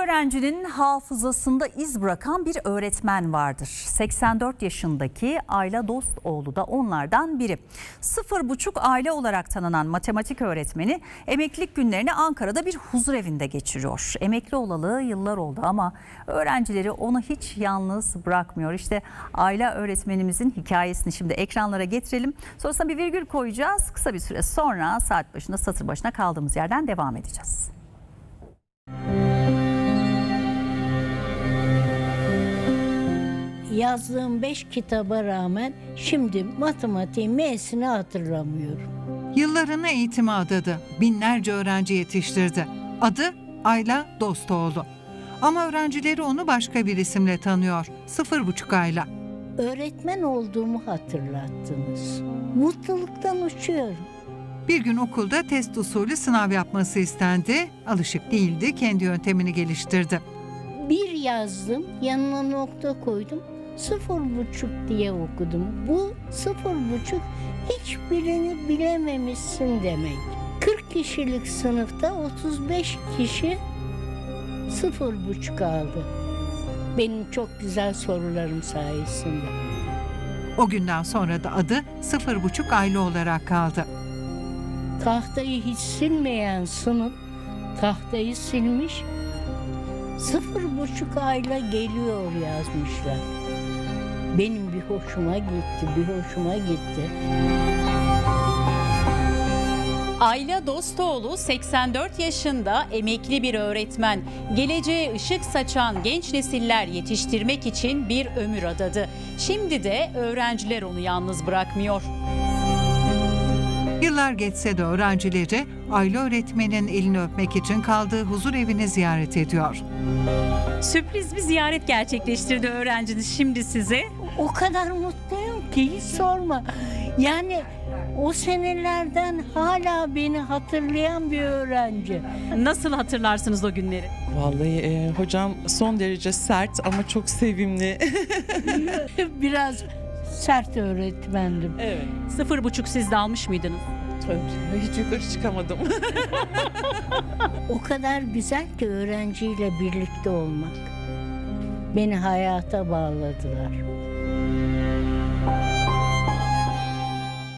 öğrencinin hafızasında iz bırakan bir öğretmen vardır. 84 yaşındaki Ayla Dostoğlu da onlardan biri. 0,5 aile olarak tanınan matematik öğretmeni emeklilik günlerini Ankara'da bir huzurevinde geçiriyor. Emekli olalı yıllar oldu ama öğrencileri onu hiç yalnız bırakmıyor. İşte Ayla öğretmenimizin hikayesini şimdi ekranlara getirelim. Sonrasında bir virgül koyacağız. Kısa bir süre sonra saat başında satır başına kaldığımız yerden devam edeceğiz. Yazdığım 5 kitaba rağmen şimdi matematiğin M'sini hatırlamıyorum. Yıllarını eğitime adadı. Binlerce öğrenci yetiştirdi. Adı Ayla Dostoğlu. Ama öğrencileri onu başka bir isimle tanıyor. 0,5 Ayla. Öğretmen olduğumu hatırlattınız. Mutluluktan uçuyorum. Bir gün okulda test usulü sınav yapması istendi. Alışık değildi, kendi yöntemini geliştirdi. Bir yazdım, yanına nokta koydum. 0,5 diye okudum. Bu 0,5 hiçbirini bilememişsin demek. 40 kişilik sınıfta 35 kişi 0,5 aldı. Benim çok güzel sorularım sayesinde. O günden sonra da adı 0,5 Ayla olarak kaldı. Tahtayı hiç silmeyen sınıf tahtayı silmiş. 0,5 ayla geliyor yazmışlar. Benim bir hoşuma gitti. Ayla Dostoğlu 84 yaşında emekli bir öğretmen. Geleceğe ışık saçan genç nesiller yetiştirmek için bir ömür adadı. Şimdi de öğrenciler onu yalnız bırakmıyor. Yıllar geçse de öğrencileri Ayla öğretmenin elini öpmek için kaldığı huzur evini ziyaret ediyor. Sürpriz bir ziyaret gerçekleştirdi öğrenciniz şimdi size. O kadar mutluyum ki hiç sorma. Yani o senelerden hala beni hatırlayan bir öğrenci. Nasıl hatırlarsınız o günleri? Vallahi hocam son derece sert ama çok sevimli. Biraz sert öğretmendim. Evet. 0,5 siz de almış mıydınız? Tabii, hiç yukarı çıkamadım. O kadar güzel ki öğrenciyle birlikte olmak. Beni hayata bağladılar.